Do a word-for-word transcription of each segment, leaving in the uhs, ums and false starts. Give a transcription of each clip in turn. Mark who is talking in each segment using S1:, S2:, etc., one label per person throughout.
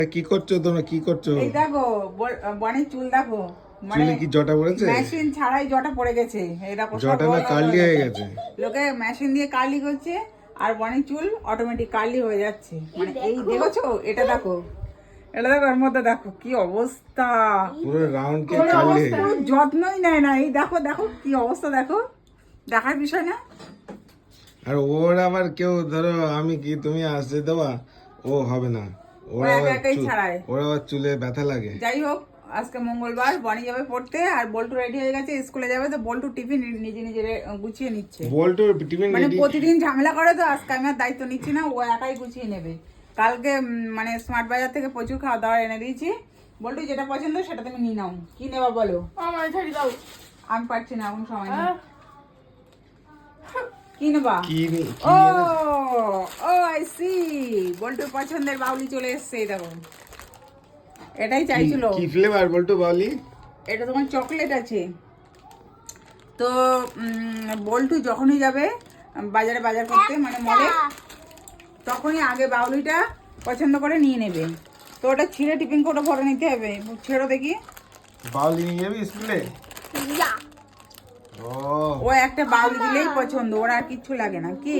S1: কি করছো তোমরা, কি করছো?
S2: এই দেখো বনের চুল দেখো,
S1: চুলে কি জটা পড়েছে?
S2: মেশিন ছাড়াই জটা পড়ে গেছে। এই দেখো
S1: জটা না কার্লি হয়ে গেছে।
S2: লোকে মেশিন দিয়ে কার্লি করছে আর বনের চুল অটোমেটিক কার্লি হয়ে যাচ্ছে। মানে এই দেখছো, এটা দেখো, এটা দেখো, এর মধ্যে দেখো কি অবস্থা,
S1: পুরো রাউন্ড কে কার্লি হয়ে গেছে।
S2: যত্নই নেয় না। এই দেখো দেখো কি অবস্থা, দেখো, দেখার বিষয় না।
S1: আর ওর আবার কেউ ধরো আমি কি তুমি আসতে দেওয়া, ও হবে না, ওর আবার ওর আবার চুলে ব্যথা লাগে।
S2: যাই হোক, আজকে মঙ্গলবার, বনি যাবে পড়তে আর বল্টু রেডি হয়ে গেছে স্কুলে যাবে। তো বল্টু টিফিন নিজে নিজে গুছিয়ে নিচ্ছে।
S1: বল্টু টিফিন
S2: মানে প্রতিদিন ঝামেলা করে, তো আজকে আমি আর দায়িত্ব নিচ্ছি না, ও একাই গুছিয়ে নেবে। কালকে মানে স্মার্ট বাজার থেকে প্রচুর খাওয়া দাওয়া এনে দিয়েছি। বল্টু যেটা পছন্দ সেটা তুমি নিয়ে নাও। কি নেবা বলো? আমি পারছি না এখন, সময় নেই। কি নেবা? ও ও আই সি, বল্টুর পছন্দের বাউলি চলে এসছে। এই দেখো, এটাই চাইছিল।
S1: কি ফ্লেভার বল্টু বাউলি?
S2: এটা তোমার চকলেট আছে। তো বল্টু যখনই যাবে বাজারে বাজার করতে, মানে মলে, তখনই আগে বাউলিটা পছন্দ করে নিয়ে নেবে। তো ওটা ছিঁড়ে টিফিন কোটা ভরে নিতে হবে। ছেড়ো দেখি।
S1: বাউলি নিয়ে যাবি স্কুলে? ও
S2: ও একটা বাউলি দিলেই পছন্দ, ওর আর কিচ্ছু লাগে না। কি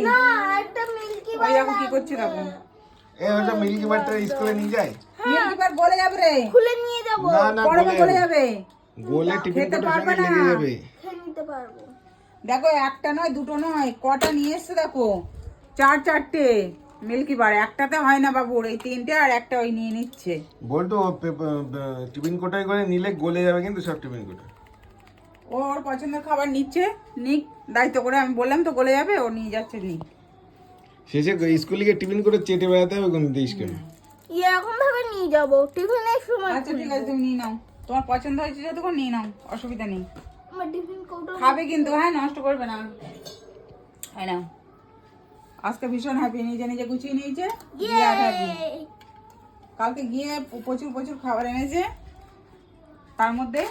S2: ওই দেখো কি করছে, দেখো
S1: এ ওটা মিল্কি বারটা স্কুলে নিয়ে যায়।
S2: মিল্কি বার গলে যাবে রে,
S3: খুলে নিয়ে যাব।
S1: না না
S2: গরমে গলে যাবে,
S1: গোলে টিফিন
S2: খেতে
S1: কোটার
S2: পারবে
S1: সঙ্গে
S2: না।
S1: লেগে যাবে।
S3: খেয়ে নিতে পারবো।
S2: দেখো একটা নয়, দুটো নয়, কটা নিয়ে এসছে দেখো, চার চারটে মিল্কি বার। একটাতে হয় না বাবুর, এই তিনটে আর একটা ওই নিয়ে নিচ্ছে।
S1: বল্টু টিফিন কোটায় করে নিলে গলে যাবে কিন্তু সব টিফিন কোটা।
S2: ওর পছন্দের খাবার নিচ্ছে, নিক, দায়িত্ব করে। আমি বললাম তো গলে যাবে, ও নিয়ে যাচ্ছে, নিক।
S1: শেষে স্কুলে গিয়ে টিফিন করে চেটে বেড়াতে হবে কোন দিস কেন?
S3: এরকম ভাবে নিয়ে যাব, টিফিনের সময়।
S2: আচ্ছা ঠিক আছে, তুমি নিয়ে নাও, তোমার পছন্দ হয়েছে যতক্ষণ নিয়ে নাও, অসুবিধা নেই।
S3: আমার টিফিন কৌটো
S2: খাবে কিন্তু, হ্যাঁ, নষ্ট করবে না। হ্যাঁ নাও। আজকে ভীষণ হ্যাপি, নিজে নিজে গুছিয়ে নিয়েছে। বিরাট happy। কালকে গিয়ে প্রচুর প্রচুর খাবার এনেছে, তার মধ্যে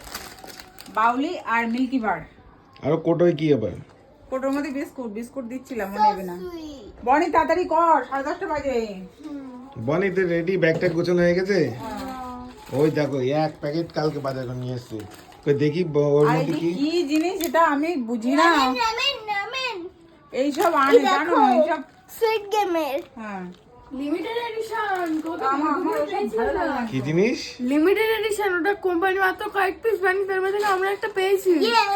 S2: বাউলি আর মিল্কি বার।
S1: আর কোটোয় কি আবার?
S2: কোটোর মধ্যে বিস্কুট বিস্কুট দিচ্ছিলাম, মনে নেবে না। বনি তাড়াতাড়ি কর, সাড়ে দশটা বাজে।
S1: বনি তো রেডি, ব্যাগটা গোছানো হয়ে গেছে। ওই দেখো এক প্যাকেট কালকে বাজার করে নিয়ে এসেছে। কই দেখি ওর
S2: আর
S1: মধ্যে কি
S2: কি জিনিস, এটা আমি বুঝি না।
S3: রামেন রামেন
S2: এইসব আনে জানো, এইসব
S3: সুইট গেমের
S2: হ্যাঁ
S4: লিমিটেড এডিশন।
S2: আমার আমার ওসব ভালো লাগে না।
S1: কি জিনিস?
S4: লিমিটেড এডিশন, ওটা কোম্পানি মাত্র কয়েক পিস বানিয়ে তার মধ্যে আমরা একটা পেয়েছি।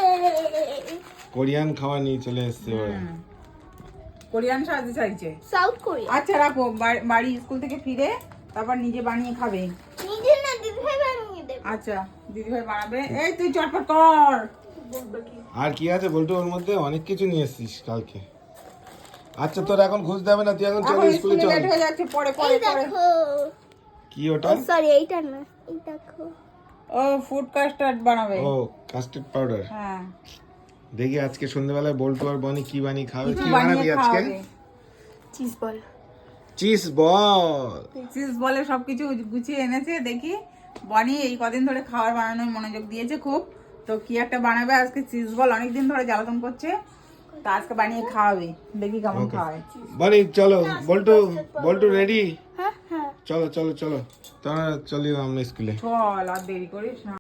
S1: কোরিয়ান খাবার নিয়ে চলে এসেছে ওরা।
S2: কোরিয়ান সাহায্য চাইছে।
S3: South Korea.
S2: আচ্ছা রাখো, বা- বাড়ি স্কুল থেকে ফিরে তারপর নিজে বানিয়ে খাবে।
S3: নিজে না দিদি ভাই বানিয়ে দেবে।
S2: আচ্ছা দিদিভাই বানাবে। এই তুই চটপট কর।
S1: আর কি আছে বলতো ওর মধ্যে? অনেক কিছু নিয়ে এসেছিস কালকে। আচ্ছা তোর এখন খুঁজতে হবে না, তুই এখন চল
S2: এখন
S1: স্কুলে
S2: স্কুলে
S1: চল।
S2: লেট হয়ে যাচ্ছে, পরে পরে
S3: এই
S2: পরে।
S3: দেখো,
S1: কি ওটা?
S3: সরি এইটা না, এই দেখো।
S2: ও ফুড কাস্টার্ড বানাবে।
S1: ও কাস্টার্ড পাউডার।
S2: হ্যাঁ,
S1: দেখি আজকে সন্ধ্যাবেলায় বল্টু আর বনি কি বানিয়ে খাবে।
S2: কিছু
S1: কি বানাবি
S2: বানিয়ে
S1: আজকে?
S2: খাওয়াবে।
S4: Cheese ball.
S1: Cheese ball.
S2: Cheese বলে সবকিছু গুছিয়ে এনেছে। দেখি বনি এই কদিন ধরে খাবার বানানোর মনোযোগ দিয়েছে খুব। তো কি একটা বানাবে আজকে, চিজ বল। অনেকদিন ধরে জ্বালাতন করছে, তো আজকে বানিয়ে খাওয়াবে। দেখি কেমন খাওয়ায়।
S1: বনি চলো, বল্টু বল্টু রেডি?
S3: হ্যাঁ হ্যাঁ।
S1: চলো চলো চলো, তোরা চলি আমরা স্কুলে।
S2: চল, আর দেরি করিস না।